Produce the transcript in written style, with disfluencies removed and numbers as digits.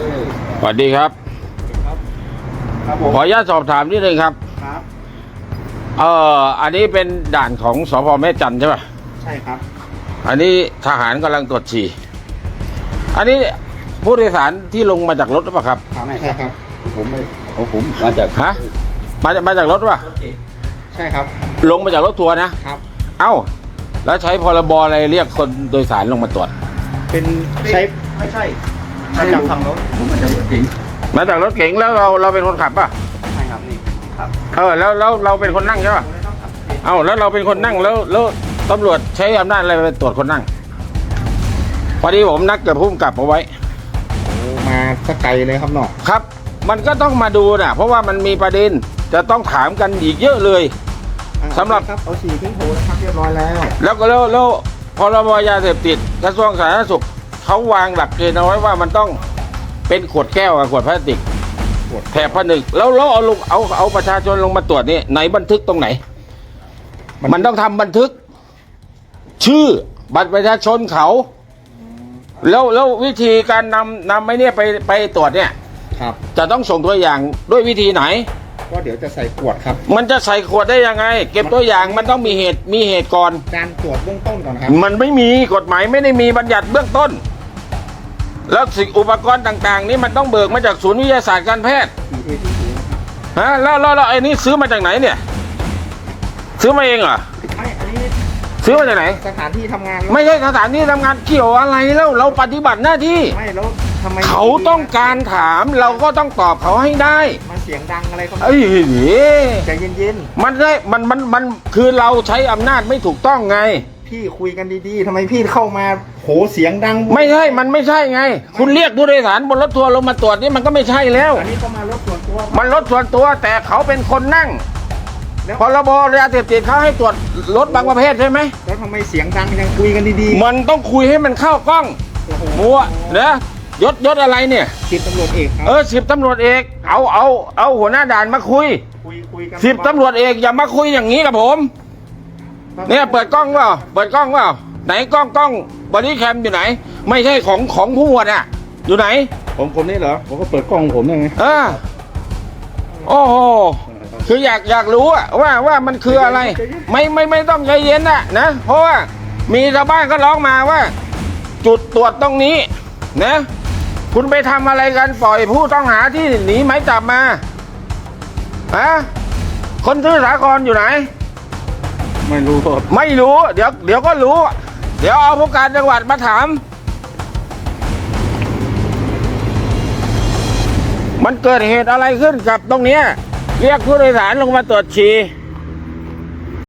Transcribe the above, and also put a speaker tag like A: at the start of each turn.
A: สวัสดีครับ
B: ครับผม
A: ขออนุญาตสอบถามนิดนึงครับ
B: ครับ
A: อันนี้เป็นด่านของสพแม่จันทร์ใช่ป่ะ
B: ใช่ครับ
A: อันนี้ทหารกำลังตรวจฉี่อันนี้ผู้โดยสารที่ลงมาจากรถหรือเปล่าครับ
B: ใช่ครับ
C: ผมไม่ผมมาจาก
A: ฮะมาจากรถหรือเปล่า
B: ใช่ครับ
A: ลงมาจากรถทัวร์นะครับ เอ้าแล้วใช้พรบอะไรเรียกคนโดยสารลงมาตรวจ
B: เป็นใช้ไม่ใช่มาจากฝั่งรถ
C: ผมมาจากรถเก๋ง
A: มาจากรถเก๋งแล้วเราเป็นคนขับป่ะ
B: ใช่ครับนี่ครับ
A: แล้วเราเป็นคนนั่งใช่ป่ะเอ้าแล้วเราเป็นคนนั่งแล้วตำรวจใช้อำนาจอะไรไปตรวจคนนั่งพอดีผมนัดกับผู้กำกับเอาไว้
B: มาสักไกลเลยครับเนาะ
A: ครับ มันก็ต้องมาดูนะเพราะว่ามันมีประเด็นจะต้องถามกันอีกเยอะเลยสำหรับ
B: ครับเอาฉี่ขึ้นโถนะครับเรียบร้อยแล้ว
A: แล้วพรบยาเสพติดกระทรวงสาธารณสุขเขาวางหลักเกณฑ์เอาไว้ว่ามันต้องเป็นขวดแก้วกับขวดพลาสติกแถบผนึกแล้วเอาประชาชนลงมาตรวจนี่ไหนบันทึกตรงไหน มันต้องทำบันทึก ชื่อบัตรประชาชนเขาแล้ววิธีการนำไอ้เนี่ยไปตรวจเนี่ย
B: ครับ
A: จะต้องส่งตัวอย่างด้วยวิธีไหน
B: ก็เดี๋ยวจะใส่ขวดครับ
A: มันจะใส่ขวดได้ยังไง เก็บตัวอย่างมันต้องมีเหตุก่อน
B: การตรวจเบื้องต้นก่อนครับ
A: มันไม่มีกฎหมายไม่ได้มีบัญญัติเบื้องต้น แล้วสิ่งอุปกรณ์ต่างๆ นี้มันต้องเบิกมาจากศูนย์วิทยาศาสตร์การแพทย์
B: ฉี่ที่ถูนะครับ
A: ฮะแล้วไอ้นี่ซื้อมาจากไหนเนี่ย ซื้อมาเองเหรอ
B: ไม่อันนี้
A: ซื้อมาจากไหน
B: สถานที่ทำงานแล้ว
A: ไม่ใช่สถานที่ทำงานเกี่ยวอะไรแล้วเราปฏิบัติหน้าที่
B: ไม่แล้วทำไม
A: เขาต้องการถามเราก็ต้องตอบเขาให้ได้
B: มาเสียงดังอะไรครับ
A: เอ้ย
B: ใจเย็น
A: มันคือเราใช้อำนาจไม่ถูกต้องไง
B: ๆพี่คุยกันดีๆทำไมพี่เข้ามาโหเสียงดัง
A: ไม่ใช่มันไม่ใช่ไง คุณเรียกผู้โดยสารบนรถทัวร์ลงมาตรวจนี่มันก็ไม่ใช่แล้ว
B: อันนี้ก็มารถส่วนตัว
A: มันรถส่วนตัวแต่เขาเป็นคนนั่ง
B: แล้ว
A: พรบยาเสพติดเขาให้ตรวจรถบางประเภทใช่ไหม
B: แล้วทำไมเสียงดังยังคุยกันดี
A: มันต้องคุยให้มันเข้ากล้อง
B: ๆโอ้โห
A: มัวนะยศอะไรเนี่ย
B: สิบตำรวจเอกครับ
A: 10ตำรวจเอกเอาหัวหน้าด่านมาคุย
B: คุยกัน
A: 10ตำรวจเอกอย่ามาคุยอย่างนี้กับผม เนี่ยเปิดกล้องเปล่าเปิดกล้องเปล่าไหนกล้องบอดี้แคมอยู่ไหน ไม่ใช่ของผู้หมวดอ่ะอยู่ไหน
C: ผมนี่เหรอผมก็เปิดกล้องของผมยังไง
A: โอ้โหคืออยากรู้อะว่ามันคืออะไร ไม่ต้องใจเย็นนะเพราะว่ามีชาวบ้านก็ร้องมาว่า จุดตรวจตรงนี้นะคุณไปทำอะไรกันปล่อยผู้ต้องหาที่หนีหมายจับมาฮะคนชื่อสาครอยู่ไหน
C: ไม่รู้ครับ
A: ไม่รู้เดี๋ยวก็รู้ เดี๋ยวเอาผู้การจังหวัดมาถาม มันเกิดเหตุอะไรขึ้นกับตรงเนี้ยเรียกผู้โดยสารลงมาตรวจฉี่